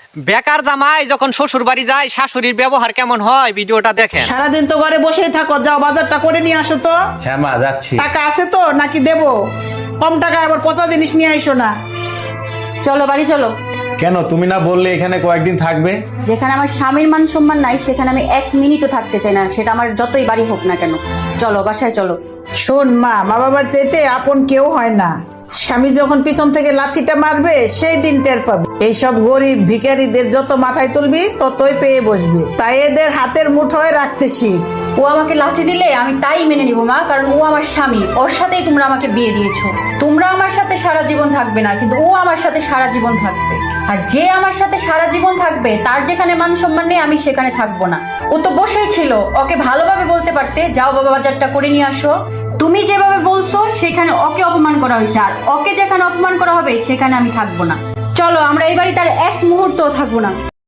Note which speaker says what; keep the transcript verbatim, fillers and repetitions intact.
Speaker 1: বেকার জামাই যখন শ্বশুর বাড়ি যায় শাশুড়ির ব্যবহার কেমন হয় ভিডিওটা দেখেন।
Speaker 2: সারাদিন তো ঘরে বসেই থাকো, যাও বাজারটা করে নিয়ে আসো তো।
Speaker 3: হ্যাঁ মা যাচ্ছি।
Speaker 2: টাকা আছে তো নাকি দেবো? কম টাকায় আবার পচা জিনিস নিয়ে আইসো না।
Speaker 4: চলো বাড়ি চলো।
Speaker 3: কেন তুমি না বললে এখানে কয়েকদিন থাকবে?
Speaker 4: যেখানে আমার স্বামীর মান সম্মান নাই সেখানে আমি এক মিনিটও থাকতে চাই না, সেটা আমার যতই বাড়ি হোক না কেন। চলো বাসায় চলো।
Speaker 2: শোন মা, মা বাবার চাইতে আপন কেউ হয় না। স্বামী যখন পিছন থেকে লাথিটা মারবে সেই দিন টের পাবে। এইসব গরিব ভিখারিদের যত মাথায় তুলবি ততই পেয়ে বসবে, তাই এদের হাতের মুঠোয় রাখতে শিখ।
Speaker 4: ও আমাকে লাথি দিলে আমি তাই মেনে নিব মা, কারণ ও আমার স্বামী, ওর সাথেই তোমরা আমাকে বিয়ে দিয়েছো। তোমরা আমার সাথে সারা জীবন থাকবে না, কিন্তু ও আমার সাথে সারা জীবন থাকবে। আর যে আমার সাথে সারা জীবন থাকবে তার যেখানে মান সম্মান নেই আমি সেখানে থাকবো না। ও তো বসেই ছিল, ওকে ভালোভাবে বলতে পারতে যাও বাবা বাজারটা করে নিয়ে আসো। তুমি যেভাবে বলছো সেখানে ওকে অপমান করা হয়েছে, আর ওকে যেখানে অপমান করা হবে সেখানে আমি থাকবো না। চলো আমরা এই বাড়িতে আর এক মুহূর্তও থাকবো না।